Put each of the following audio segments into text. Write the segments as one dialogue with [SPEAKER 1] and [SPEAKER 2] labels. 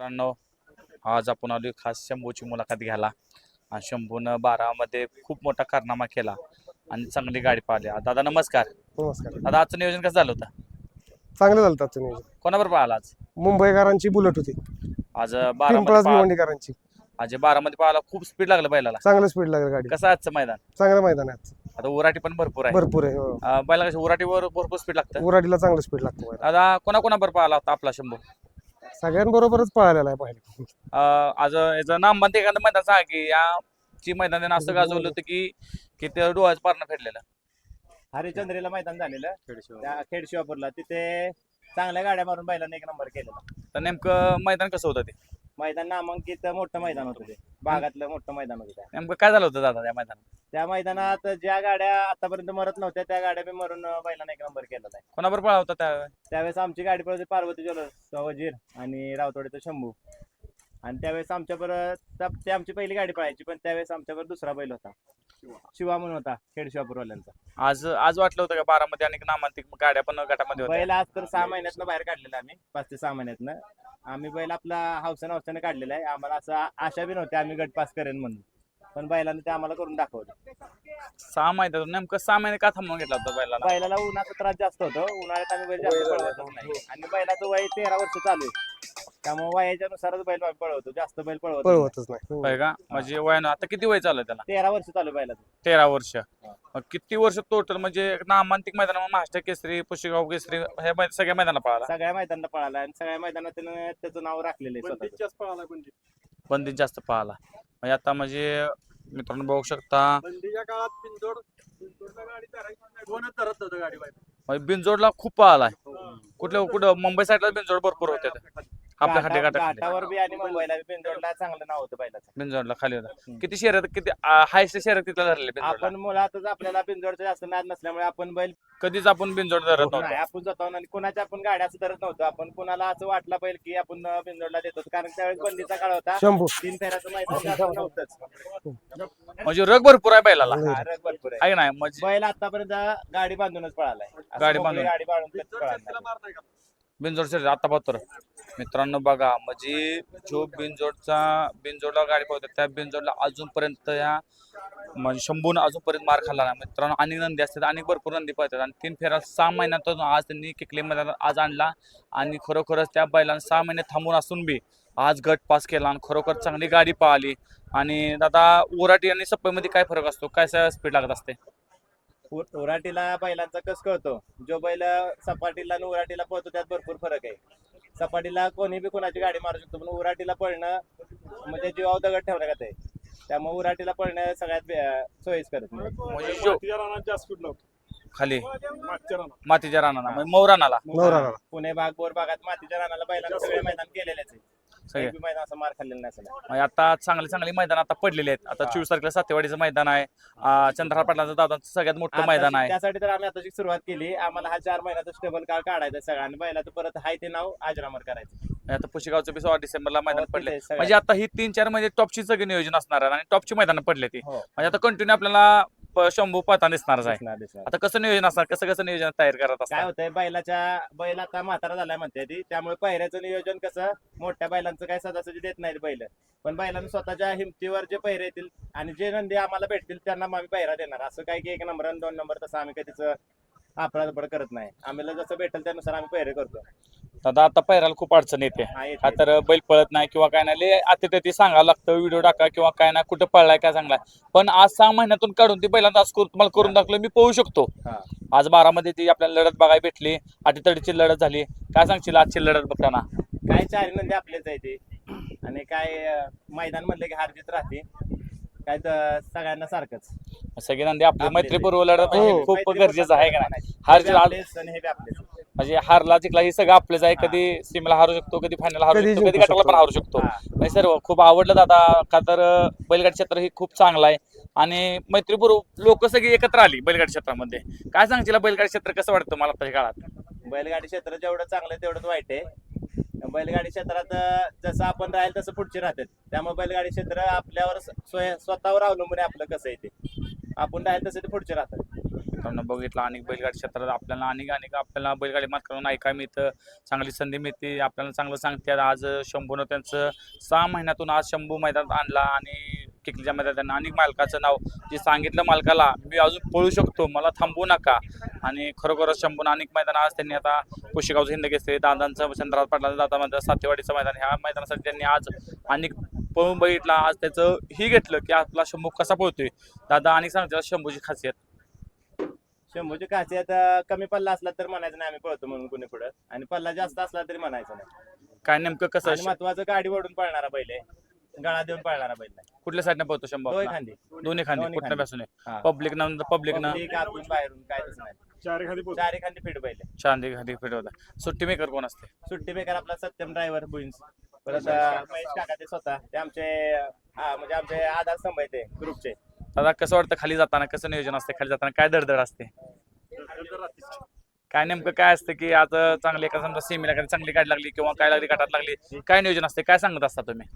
[SPEAKER 1] मित्रांनो, आज आपण आलो खास शंभूची मुलाखत घ्यायला आणि शंभूनं 12 मध्ये खूप मोठा कारनामा केला आणि चांगली गाडी पाहिली. दादा नमस्कार.
[SPEAKER 2] नमस्कार.
[SPEAKER 1] दादा आजचं नियोजन कसं झालं होतं?
[SPEAKER 2] चांगलं झालं त्याचं नियोजन.
[SPEAKER 1] कोणाबरोबर पाहिला आज?
[SPEAKER 2] मुंबईकरांची बुलेट होती,
[SPEAKER 1] आज 12
[SPEAKER 2] पिंपळास भिवंडीकरांची.
[SPEAKER 1] आज 12 मध्ये पाहिला खूप स्पीड लागलं बैलाला.
[SPEAKER 2] चांगलं स्पीड लागेल गाडी.
[SPEAKER 1] कसं आजचं मैदान?
[SPEAKER 2] चांगलं मैदान आहे आजचं.
[SPEAKER 1] आता उराटी पण भरपूर आहे.
[SPEAKER 2] भरपूर आहे हो.
[SPEAKER 1] बैला कसं उराटीवर भरपूर स्पीड लागतं.
[SPEAKER 2] उराडीला चांगलं स्पीड लागतं बैलाला.
[SPEAKER 1] दादा कोणाबरोबर पाहिला होता आपला शंभू?
[SPEAKER 2] सगळ्यांबरोबरच पळालेला आहे पहिले.
[SPEAKER 1] आज याचं नामबंद एखादं मैदान सांगा की याची मैदानाने असं गाजवलं होतं की ते डोळ्याचं पारणं फेडलेलं.
[SPEAKER 3] हरिचंद्रीला मैदान झालेलं त्या खेडशिवापूरला, तिथे चांगल्या गाड्या मारून बैलांनी 1 नंबर केलेला.
[SPEAKER 1] तर नेमकं मैदान कसं होतं ते?
[SPEAKER 3] मैदान नामांकित मोठं मैदान होतं, ते भागातलं मोठं मैदान होतं.
[SPEAKER 1] नेमकं काय झालं होतं दादा त्या मैदानात?
[SPEAKER 3] त्या मैदानात ज्या गाड्या आतापर्यंत मरत नव्हत्या त्या गाड्या बी मरून बैलांना 1 नंबर केलेला आहे.
[SPEAKER 1] कोणाबरोबर पळा होता त्या?
[SPEAKER 3] त्यावेळेस आमची गाडी पळते पार्वती ज्वेलर्स वजीर आणि रावतवाडीचा शंभू. आणि त्यावेळेस आमच्याबरोबर ते आमची पहिली गाडी पळायची, पण त्यावेळेस आमच्याबरोबर दुसरा बैल होता, शिवा म्हणून होता खेडशिवापूरवाल्यांचा.
[SPEAKER 1] आज वाटलं होतं का 12 मध्ये आणि नामांतिक गाड्या पण गटामध्ये होत्या?
[SPEAKER 3] बैल आज तर 6 महिन्यातनं बाहेर काढलेला आम्ही, 5 ते 6 महिन्यातनं आम्ही बैल आपला हौसाने काढलेला आहे. आम्हाला असं आशा बी नव्हती आम्ही गट पास करेन म्हणून, पण बैलाने ते आम्हाला करून दाखवलं.
[SPEAKER 1] 6 महिन्यात नेमकं 6 महिने का थांबवून घेतला होता बैलाला?
[SPEAKER 3] बैलाला उन्हाचा त्रास जास्त होतो, उन्हाळ्यात आम्ही बैल जास्त पळवतच नाही. आणि बैलाचं वय 13 वर्ष चालू आहे, त्यामुळे वयाच्या नुसारच बैल पळवतो, जास्त बैल
[SPEAKER 2] पळवतच नाही.
[SPEAKER 1] होय का? म्हणजे वयानं आता किती वय चालू आहे त्याला?
[SPEAKER 3] 13 वर्ष चालू आहे बैलाचं.
[SPEAKER 1] 13 वर्ष. मग किती वर्ष टोटल म्हणजे नामांतिक मैदान, महाराष्ट्र केसरी, पुशेगाव केसरी हे सगळ्या मैदानाला पळाला?
[SPEAKER 3] सगळ्या मैदानात पळाला आणि सगळ्या मैदानात त्यानं त्याचं नाव राखलेलं आहे स्वतःचं.
[SPEAKER 1] बंदीत जास्त पळाला. म्हणजे आता म्हणजे मित्रांनो बघू शकता
[SPEAKER 4] बंदीच्या काळात बिनजोडला गाडी कोणच धरत नव्हतं गाडी बाहेर.
[SPEAKER 1] म्हणजे बिनजोडला खूप पळालाय. कुठं मुंबई साईडला बिनजोड भरपूर होते आपल्या खाली
[SPEAKER 3] घाटावर बी आणि मुंबईला बी बिनजोडला चांगलं नाव होतं बैलाचं.
[SPEAKER 1] बिनजोडला खाली होता. किती शहरात किती हायस्ट शहरात तिथला धरले बिनजोडला?
[SPEAKER 3] आपण मुळातच आपल्याला बिनजोडचं जास्त नाद नसल्यामुळे आपण बैल
[SPEAKER 1] कधीच आपण बिनजोड धरत
[SPEAKER 3] नाही,
[SPEAKER 1] नव्हतो.
[SPEAKER 3] आपण जातो आणि कुणाच्या आपण गाड्या असं धरत नव्हतो. आपण कुणाला असं वाटलं पाहिजे की आपण बिनजोडला देतो, कारण त्यावेळेस बंदीचा काळ होता,
[SPEAKER 2] शंभू
[SPEAKER 3] 3 फेऱ्याचं मैदान जास्त नव्हतंच.
[SPEAKER 1] म्हणजे रग भरपूर आहे बैलाला,
[SPEAKER 3] हा, रग भरपूर आहे.
[SPEAKER 1] आहे की नाही? म्हणजे
[SPEAKER 3] बैल आतापर्यंत गाडी बांधूनच पळालाय. असं
[SPEAKER 1] गाडी
[SPEAKER 3] मोकळी
[SPEAKER 1] बांधून.
[SPEAKER 3] गाडी बांधून कधीच
[SPEAKER 4] बिनजोड
[SPEAKER 3] पळाला
[SPEAKER 4] तिला
[SPEAKER 3] नाही.
[SPEAKER 4] मार नाही का?
[SPEAKER 1] बिनजोड शरीर आता पाहतो मित्रांनो बघा, म्हणजे जो बिनजोडला गाडी पाहतो त्या बिनजोडला अजूनपर्यंत या म्हणजे शंभून अजूनपर्यंत मार खाल्ला नाही मित्रांनो. अनेक नंदी असतात, अनेक भरपूर नंदी पळतात आणि 3 फेऱ्या 6 महिन्यातून आज त्यांनी किकले मैदानात आज आणला आणि खरोखरच त्या बैलांना 6 महिने थांबून असून बी आज गट पास केला आणि खरोखर चांगली गाडी पळाली. आणि दादा उराटी आणि सप्पईमध्ये काय फरक असतो, काय स्पीड लागत असते?
[SPEAKER 3] उराटीला बैलांचा कस कळतो, जो बैल सपाटीला आणि उराटीला पळतो त्यात भरपूर फरक आहे. सपाटीला कोणी बी कोणाची गाडी मारू शकतो, पण उराटीला पळणं म्हणजे जीवावर दगड ठेवण्यात आहे. त्यामुळे उराटीला पळणं सगळ्यात सोयीस्कर आहे.
[SPEAKER 1] म्हणजे
[SPEAKER 4] मातीच्या रानात जास्त स्पीड लावतो.
[SPEAKER 1] खाली
[SPEAKER 4] मागच्या रानात
[SPEAKER 1] मातीच्या रानाला म्हणजे मौरानाला
[SPEAKER 2] नवरा
[SPEAKER 3] पुणे भाग बोर भागात मातीच्या रानाला बैलांना सगळे मैदान केलेलेच आहे.
[SPEAKER 1] सगळे.
[SPEAKER 3] एक बी मैदान असं मार खाल्लेलं नसेल.
[SPEAKER 1] म्हणजे आता चांगली मैदान आता पडलेली आहेत. आता 24 तारखेला सातेवाडीचं मैदान आहे, चंद्रहार पाटलांचं दादांचं सगळ्यात मोठं मैदान आहे.
[SPEAKER 3] त्यासाठी तर आम्ही आताची सुरुवात केली. आम्हाला हा 4 महिन्याचा स्टेबल काळ काढायचा सगळं आणि बैलाचं परत हाय ते नाव अजरामर करायचं.
[SPEAKER 1] आता पुशेगावचं बी 16 डिसेंबरला मैदान
[SPEAKER 3] हो,
[SPEAKER 1] पडले.
[SPEAKER 3] तिथे सगळ्यात.
[SPEAKER 1] म्हणजे आता ही 3-4 महिने टॉपची सगळी नियोजन असणार आहे आणि टॉपची मैदान पडले ती.
[SPEAKER 3] हो.
[SPEAKER 1] म्हणजे आता कंटिन्यू आपल्याला शंभू पळताना दिसणारच आहे.
[SPEAKER 3] दिसणार.
[SPEAKER 1] आता कसं नियोजन असणार, कसं नियोजन तयार करत
[SPEAKER 3] काय
[SPEAKER 1] असणार?
[SPEAKER 3] होतंय, बैल आता म्हातारा झालाय म्हणते ती, त्यामुळे पहिऱ्याचं नियोजन कसं मोठ्या बैलांचं काय सदासजी देत नाहीत बैल, पण बैलांना स्वतःच्या हिमतीवर जे पहिरे येतील आणि जे नंदी आम्हाला भेटतील त्यांना आम्ही पहिरा देणार. असं काय की 1 नंबर आणि 2 नंबर तसं आम्ही कधीच आपला करत नाही. आम्हाला जसं भेटेल त्यानुसार आम्ही पहिरे करतो.
[SPEAKER 1] दादा आता पैराला खूप अडचण येते.
[SPEAKER 3] हा, येते.
[SPEAKER 1] का तर बैल पळत नाही किंवा काय नाही, आता ते सांगावं लागतं, व्हिडिओ टाका किंवा काय नाही, कुठं पळलाय काय चांगलाय. पण आज 6 महिन्यातून काढून ती बैलांना आज तुम्हाला करून दाखवलं, मी पळू शकतो.
[SPEAKER 3] हा.
[SPEAKER 1] आज 12 मध्ये ती आपल्याला लढत बघायला भेटली, अटीतडीची लढत झाली. काय सांगशील आजची लढत बघताना?
[SPEAKER 3] काय 4 नंदी आपलेच आहे ते, आणि काय मैदान म्हणलं की हार जीत राहते, काय तर सगळ्यांना सारखंच.
[SPEAKER 1] सगळे नंदी आपले
[SPEAKER 3] आपले
[SPEAKER 1] मैत्रीपूर्व लढत म्हणजे
[SPEAKER 2] हो.
[SPEAKER 1] खूप
[SPEAKER 3] मैत्रीपूर्ण
[SPEAKER 1] गरजेचं आहे का नाही?
[SPEAKER 3] हे
[SPEAKER 1] हार
[SPEAKER 3] बी
[SPEAKER 1] जीत
[SPEAKER 3] आपलेच आणि हे बी आपलेच.
[SPEAKER 1] म्हणजे हारला जिंकला हे सगळं आपलंच आहे. कधी सीमेला हारू शकतो, कधी फायनल हारू
[SPEAKER 2] कधी
[SPEAKER 1] शकतो, कधी
[SPEAKER 2] जिंकू
[SPEAKER 1] गटाला पण
[SPEAKER 2] शकतो.
[SPEAKER 1] हारू शकतो.
[SPEAKER 3] हा.
[SPEAKER 1] म्हणजे सर्व खूप आवडलं दादा, का तर बैलगाडी क्षेत्र हे खूप चांगलं आहे आणि मैत्रीपूर्व लोक सगळी एकत्र आली बैलगाडी क्षेत्रामध्ये. काय सांगशील बैलगाडी क्षेत्र कसं वाटतं मला आताच्या काळात?
[SPEAKER 3] बैलगाडी क्षेत्र जेवढं चांगलं आहे तेवढंच वाईट आहे. बैलगाडी क्षेत्रात जसं आपण राहील तसं पुढचे राहतात, त्यामुळे बैलगाडी क्षेत्र आपल्यावर स्वतःवर अवलंबून आहे. आपलं कसं आहे ते आपण राहील तसं ते पुढचे राहतात.
[SPEAKER 1] मित्रांनो बघितलं अनेक बैलगाडी क्षेत्रात आपल्याला आपल्याला बैलगाडी मात करून ऐकायला मिळतं, चांगली संधी मिळते, आपल्याला चांगलं सांगतात. आज शंभूनं त्यांचं 6 महिन्यातून आज शंभू मैदानात आणला आणि किकलीच्या मैदानात त्यांना अनेक मालकाचं नाव जे सांगितलं मालकाला मी अजून पळू शकतो, मला थांबवू नका. आणि खरोखरच शंभून अनेक मैदान आज त्यांनी आता कुशेगावचं हिंद घेतले, दादांचं चंद्रराज पाटलांचं दादा सातेवाडीचं मैदान, ह्या मैदानासाठी त्यांनी आज अनेक पळून बघितला. आज त्याचं ही घेतलं की आपला शंभू कसा पळतोय. दादा अनेक सांगतात शंभूची खासियत.
[SPEAKER 3] शंभूची खासियत कमी पल्ला असला तर म्हणायचं नाही आम्ही पळतो म्हणून कुणी पुढं, आणि पल्ला जास्त असला तरी म्हणायचं नाही.
[SPEAKER 1] काय नेमकं कसं
[SPEAKER 3] आणि महत्वाचं गाडी ओढून पळणारा बैल आहे, गळा देऊन पळणारा बैल नाही.
[SPEAKER 1] कुठल्या साईडने पळतो शंभू
[SPEAKER 3] दोन्ही
[SPEAKER 1] आपला?
[SPEAKER 3] खांदी
[SPEAKER 1] दोन्ही खांदी
[SPEAKER 3] दोन्ही
[SPEAKER 1] कुठल्या पासून
[SPEAKER 3] हा.
[SPEAKER 1] पब्लिक न
[SPEAKER 3] Public आतून बाहेरून काहीच नाही,
[SPEAKER 4] चार एखादी पोहोच.
[SPEAKER 3] चारी खांदी फिट बैल आहे.
[SPEAKER 1] चांदी खाली फिट होता. सुट्टी मेकर कोण असते?
[SPEAKER 3] सुट्टी बेकार आपला सत्यम ड्रायव्हर बुईन्स, परत महेश काका ते स्वतः ते आमचे म्हणजे आमचे आधार स्तंभ आहे ते ग्रुपचे.
[SPEAKER 1] दादा कसं वाटतं खाली जाताना, कसं नियोजन असते खाली जाताना, काय दडदड असते? काय नेमकं काय असतं की आज चांगली एका समजा सेमीला कधी चांगली गाडी लागली किंवा काय लागली गटात लागली, काय नियोजन असते, काय सांगत असता तुम्ही?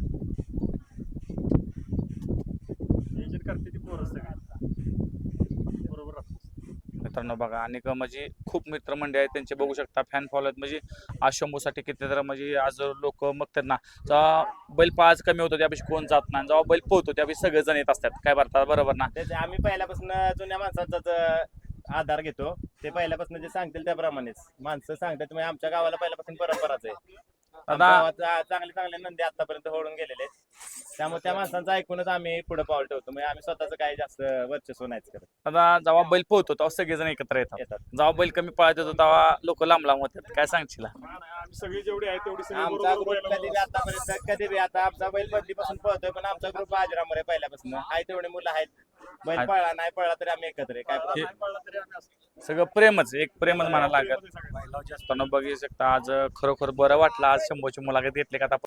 [SPEAKER 4] नियोजन करते ती पोरं सगळी. बरोबर राहतं.
[SPEAKER 1] मित्रांनो बघा आणि म्हणजे खूप मित्रमंडळी आहेत त्यांचे बघू शकता, फॅन फॉलो आहेत. म्हणजे आज शंभूसाठी किती तर म्हणजे आज लोक बघतात ना, जेव्हा बैल पाच कमी होतो त्यापेक्षा कोण जात नाही, जेव्हा बैल पोहतो त्यापेक्षा सगळेजण येत असतात. काय भरतात बरोबर ना?
[SPEAKER 3] त्याचे आम्ही पहिल्यापासून जुन्या माणसांचाच आधार घेतो, ते पहिल्यापासून जे सांगतील त्याप्रमाणेच माणसं सांगतात. म्हणजे आमच्या गावाला पहिल्यापासून परंपराच आहे. आमच्या गावात चांगले चांगले नंदी आतापर्यंत होऊन गेलेले आहेत, त्यामुळे त्या माणसांचं ऐकूनच आम्ही पुढे पाऊल ठेवतो. म्हणजे आम्ही स्वतःच काही जास्त वर्चस्व नाहीच करत.
[SPEAKER 1] आता जेव्हा बैल पोहतो तेव्हा सगळेजण एकत्र येतात, जेव्हा बैल कमी पळत येतो तेव्हा लोक लांब लांब होतात. काय सांगशील?
[SPEAKER 4] आम्ही सगळी जेवढी आहे तेवढी सगळी
[SPEAKER 3] आमचा
[SPEAKER 4] बरोबर
[SPEAKER 3] ग्रुप कधी बी आतापर्यंत कधी बी आता आमचा बैल बदलीपासून पळतोय, पण आमचा ग्रुप आजरामर आहे पहिल्यापासून. आहे तेवढे मुलं आहेत, बैल पळला नाही पळला तरी आम्ही एकत्र आहे. काय problem
[SPEAKER 4] नाही पळला तरी आम्ही असतो.
[SPEAKER 1] सगळं प्रेमच, एक प्रेमच म्हणायला लागत.
[SPEAKER 4] सगळे.
[SPEAKER 1] बघू शकता आज खरोखर बरं वाटलं आज शंभूची मुलाखत घेतली का आता